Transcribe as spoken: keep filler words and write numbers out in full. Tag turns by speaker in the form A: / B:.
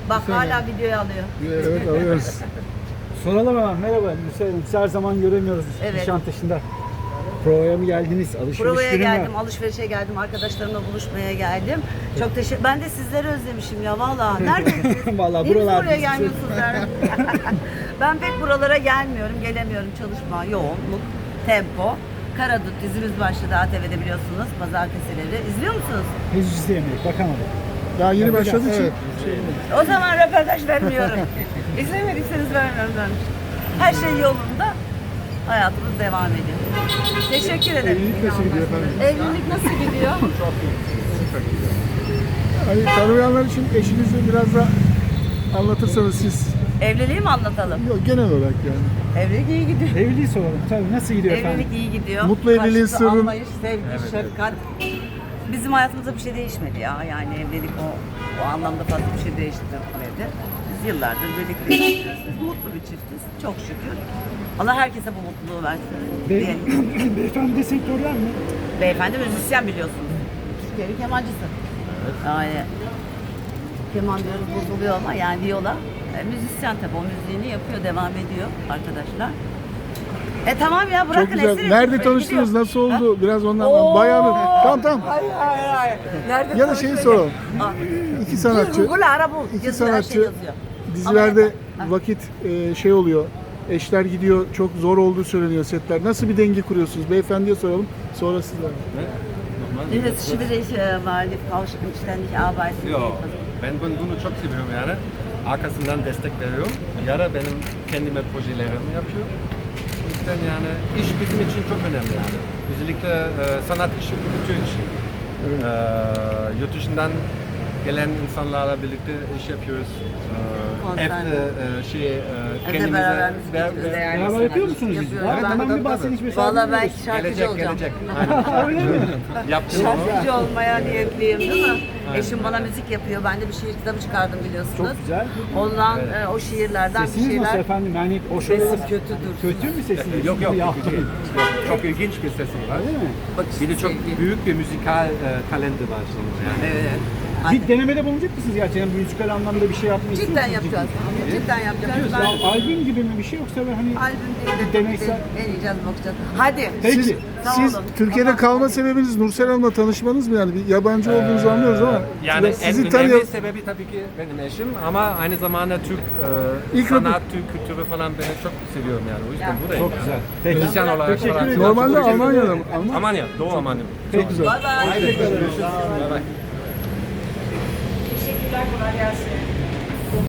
A: Bak hala videoyu alıyor.
B: Evet, alıyoruz.
C: Soralım hemen. Merhaba Nursel Hanım. Sizi her zaman göremiyoruz
A: Evet.
C: Nişantaşı'nda. Provaya mı geldiniz? Alışveriş
A: Provaya
C: günü mü?
A: geldim, alışverişe geldim, arkadaşlarımla buluşmaya geldim. Çok teşekkür. Ben de sizleri özlemişim ya valla. Neredesiniz?
C: Vallahi
A: Niye
C: buralar
A: buraya
C: bizi-
A: gelmiyorsunuz? Ben pek buralara gelmiyorum, gelemiyorum. Çalışma, yoğunluk, tempo. Karadut dizimiz başladı A T V'de biliyorsunuz, pazartesileri. İzliyor musunuz?
C: Henüz izleyemedik. Bakamadık.
B: Daha yeni
C: Bakacağız,
B: başladığı için.
C: evet.
A: O zaman röportaj vermiyorum. İzlemediyseniz vermiyorum ben. Her şey yolunda. Hayatımız devam ediyor. Teşekkür ederim.
B: Evlilik nasıl gidiyor efendim?
A: Evlilik nasıl gidiyor?
B: Hani tanımayanlar için eşinizi biraz da anlatırsanız siz.
A: Evliliği mi anlatalım?
B: Yok, genel olarak yani.
A: Evlilik iyi gidiyor.
C: Evliliği soralım. Tabii nasıl gidiyor efendim?
A: Evlilik iyi gidiyor.
B: Mutlu evliliğin
A: Karşılıklı
B: sırrı-
A: anlayış, sevgi, şefkat. Bizim hayatımızda bir şey değişmedi ya. Yani evlilik o, o anlamda fazla bir şey değiştirmedi. Biz yıllardır birlikteyiz. Mutlu bir çiftiz. Çok şükür. Allah herkese bu mutluluğu versin.
C: Be
A: diyelim.
C: Beyefendi de sektörler mi?
A: Beyefendi müzisyen biliyorsunuz. Türkiye'nin kemancısı. Yani keman diyoruz bozuluyor ama yani viola. E, müzisyen tabii o müziğini yapıyor, devam ediyor arkadaşlar. E tamam ya bırakın
B: Çok güzel.
A: esir
B: Nerede
A: etmeyin,
B: tanıştınız?
A: gidiyor.
B: Nasıl oldu? Biraz ondan
A: Oo!
B: bayağı bir. Tamam tamam.
A: Hayır hayır hayır. Nerede
B: Ya da şeyi
A: tanıştık?
B: soralım.
A: Aa,
B: İki sanatçı,
A: Google ara bul.
B: iki
A: Yazıyor, her şey
B: sanatçı
A: yazıyor.
B: dizilerde
A: Ama-
B: vakit e, şey oluyor. Eşler gidiyor. Çok zor olduğu söyleniyor setler. Nasıl bir denge kuruyorsunuz? Beyefendiye soralım. Sonra sizler.
A: Evet, schwierig, äh, weil die Frau ständig arbeitet.
D: Yok, ben bunu, bunu çok seviyorum yani. Arkasından destek veriyorum. Ya da benim kendime projelerimi yapıyor. O yüzden yani iş bizim için çok önemli yani. Özellikle e, sanat işi, kültür işi.
B: Evet.
D: E, yurt dışından gelen insanlarla birlikte iş yapıyoruz. E,
A: Konser.
D: evde e, şey, e,
A: Evde
D: kendimize
A: beraber müzik
D: ver-
A: yapıyoruz,
D: ver-
A: değerli
C: Beraber yapıyor musunuz bizi?
A: Yapıyoruz.
C: Evet,
A: Ben-
C: hemen
D: tabii,
C: bir bahsedin.
D: tabii.
A: Vallahi ben şarkıcı
D: Gelecek,
A: olacağım.
D: gelecek. Aynen. Yaptım onu.
A: Şarkıcı olmaya niyetliyim değil mi? Eşim bana müzik yapıyor. Ben de bir şiir kitabı çıkardım biliyorsunuz.
C: Çok güzel.
A: Ondan e, o şiirlerden bir
C: Sesiniz nasıl
A: şeyler.
C: efendim? Yani o
A: Sesim
C: şöyle...
A: kötüdür.
C: Kötü mü sesiniz?
D: Yok yok,
C: Ya,
D: kötü değil. Yok, çok ilginç bir sesim var.
C: Öyle mi?
A: Bak,
D: Bir de çok
A: sevgi.
D: büyük bir müzikal e, talenti var şimdi yani.
A: Evet. Hadi.
C: Bir denemede bulunacak mısınız gerçekten? Müzikal anlamda bir şey yapmayı istiyor
A: Cidden
C: musunuz?
A: yapacağız. Cidden yapacağız.
C: Ya,
A: Ben
C: albüm gibi mi bir şey yoksa böyle hani...
A: albüm değil de
C: Deneysel-
A: deneyeceğiz, bakacağız. Hadi.
C: Peki.
B: Siz,
A: Sağ
B: siz
A: olun.
B: Türkiye'de
A: Tamam.
B: kalma sebebiniz Nursel Hanım'la tanışmanız mı yani? Bir yabancı olduğunuzu anlıyoruz ama
D: Yani en
B: sizi
D: önemli
B: tanıyalım.
D: sebebi tabii ki benim eşim ama aynı zamanda Türk e,
B: İlk
D: sanat, Türk kültürü falan beni çok seviyorum yani. O yüzden
A: Ya.
D: buradayım.
C: Çok
D: yani.
C: güzel. Peki.
D: Müzisyen olarak
C: Teşekkür
D: falan.
C: ederim.
B: Normalde
D: Çok
B: Almanya'da mı? Alman-
D: Almanya, Doğu Almanya.
B: Çok güzel.
A: Bye bye.
D: Haydi görüşürüz. Bye bye.
A: Teşekkürler, kolay gelsin.